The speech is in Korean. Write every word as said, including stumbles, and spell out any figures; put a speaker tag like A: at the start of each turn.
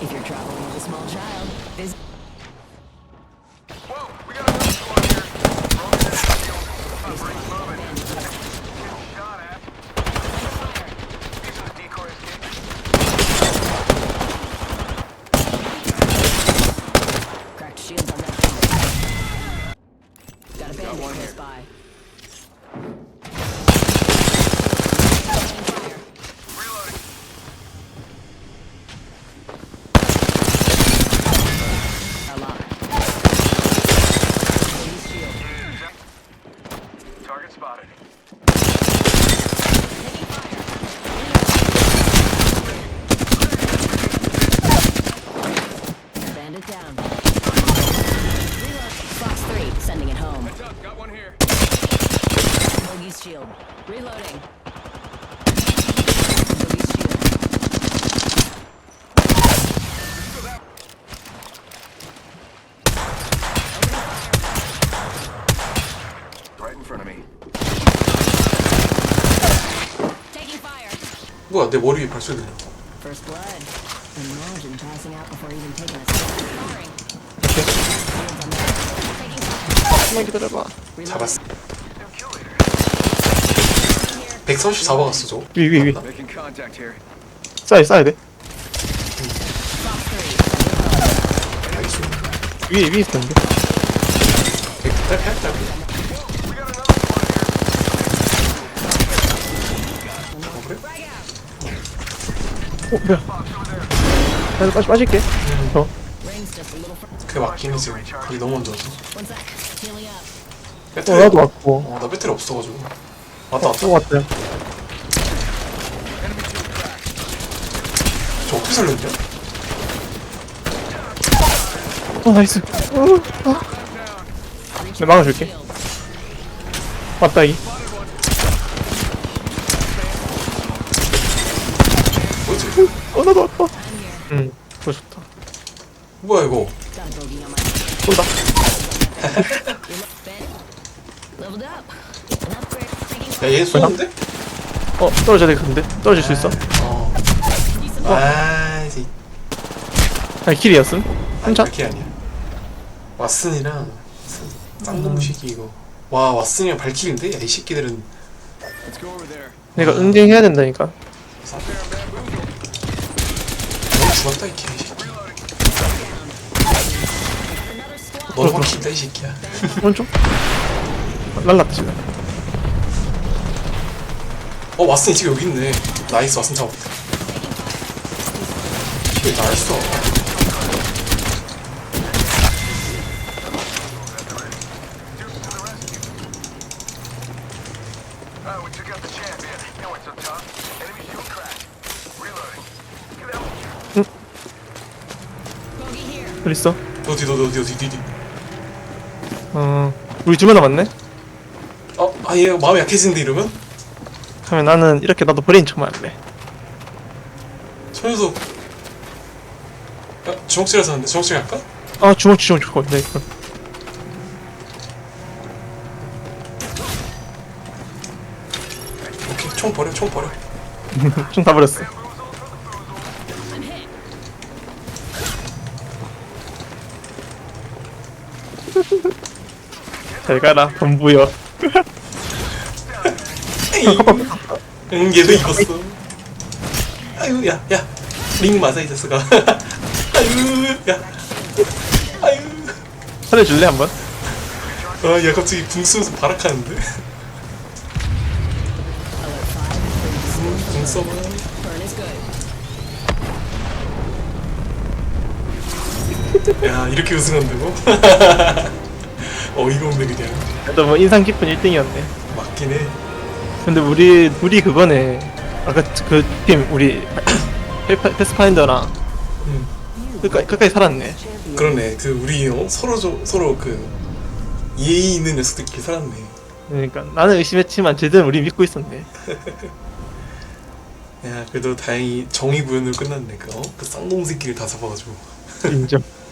A: If you're traveling with a small child, visit.
B: Whoa, we got another squad here. Roman and Shield. Not very moving. Getting shot at. These are the decoy escape.
A: Cracked shields on that thing. Got a bandit
B: one
A: close
B: here.
A: by.
B: Reloading.
A: Alarm. Police shield.
B: Target spotted.
A: Taking fire. Bandit down. Reload. Fox three, sending it home.
B: Heads up, got one here.
A: Bogey's shield. Reloading. Bogey's shield.
B: So that right in front of me.
A: Taking fire.
C: 뭐야 내 머리 위에 발소리 들려.
A: First blood. Imagine passing out before even taking a step. Firing. Taking fire.
D: 한번 기다려봐.
C: 잡았어.
B: Kill leader.
C: 백삼십사 박았어 저거.
D: 위, 위, 위.
B: Making contact here.
D: 쏴야, 쏴야 돼.
A: Fox three.
C: 나이스.
D: 위에, 위에 있었는데.
C: 백달 팔달.
B: We got another squad here.
C: 어 그래?
A: Frag out.
D: 어, 뭐야. 나 빠지, 빠질게. 어.
A: Rings just a little fr-
C: 그게 맞긴 해 지금. 거기 너무 먼저 와서.
A: One sec. Healing up.
D: 어,
C: 배터리.
D: 나도 왔고.
C: 어, 나 배터리 없어가지고. 왔다 왔다.
D: 또 왔다.
C: 저 어떻게 살렸냐?
D: 어, 나이스. 어, 어. 내가 막아줄게. 왔다, 이.
C: 뭐지?
D: 어, 나도 왔다. 응, 그거 좋다.
C: 뭐야 이거?
A: Got a bogey on my
D: 쏜다.
A: Ben. Leveled up. An upgrade. Taking
C: 야
A: fire.
C: 얘 쏘는데?
D: 어, 떨어져야 되겠는데? 떨어질 수 있어?
C: 어. 아 이제
D: 아니, 킬이었음?
C: 아니
D: 한차?
C: 그게 아니야. 왓슨이랑 쌍놈 새끼 이거. 와 왓슨이랑 발키인데? 야 이 새끼들은
B: Let's go over there.
D: 내가 응징해야 된다니까.
C: 너무 죽었다 이 개새끼.
A: Another squad.
C: 너는 확실다 이 새끼야.
D: 오른쪽? 날랐다, 지금.
C: 어 왓슨이 지금 여기 있네. 나이스 왓슨 잡았다. 왜 나였어?
B: Oh, we took out the champion. That went so tough. Enemy shield cracked. Reloading. Get out.
A: Bogey here.
D: 어디 있어?
C: 어디 어디 어디 어디 어디.
D: 어, 우리 두 명 남았네?
C: 어? 아 얘 마음이 약해진데 이러면?
D: 그러면 나는 이렇게 나도 브레인 처음 할래.
C: 저 녀석. 야 주먹질해서 하는데 주먹질 할까?
D: 아, 주먹, 주먹, 주먹. 네, 그럼.
C: 오케이 총 버려 총 버려.
D: 좀 다 버렸어.
A: I'm hit.
D: 잘 가라, 범부여.
C: 응 얘도 입었어. 아유 야야링 맞아 이 자식아. 아유 야 아유.
D: 살려줄래, 한번?
C: 아야 갑자기 붕 쏘면서 발악하는데.
A: Alert five.
C: 붕 쏘면
A: Burn is good.
C: 야 이렇게 우승한다고? 어이가 없네 그냥.
D: 그래도 뭐 인상 깊은 일 등이었네.
C: 맞긴 해.
D: 근데 우리, 우리 그거네. 아까 그 팀, 우리, 페- 패스파인더랑
C: 응.
D: 끝까지, 끝까지 살았네.
C: 그러네. 그 우리 어? 서로 좀 서로 그 예의 있는 녀석들끼리 살았네.
D: 그러니까 나는 의심했지만 쟤들은 우리 믿고 있었네.
C: 야 그래도 다행히 정의 구현으로 끝났네. 그 어? 그 쌍놈 새끼를 다 잡아가지고.
D: 인정.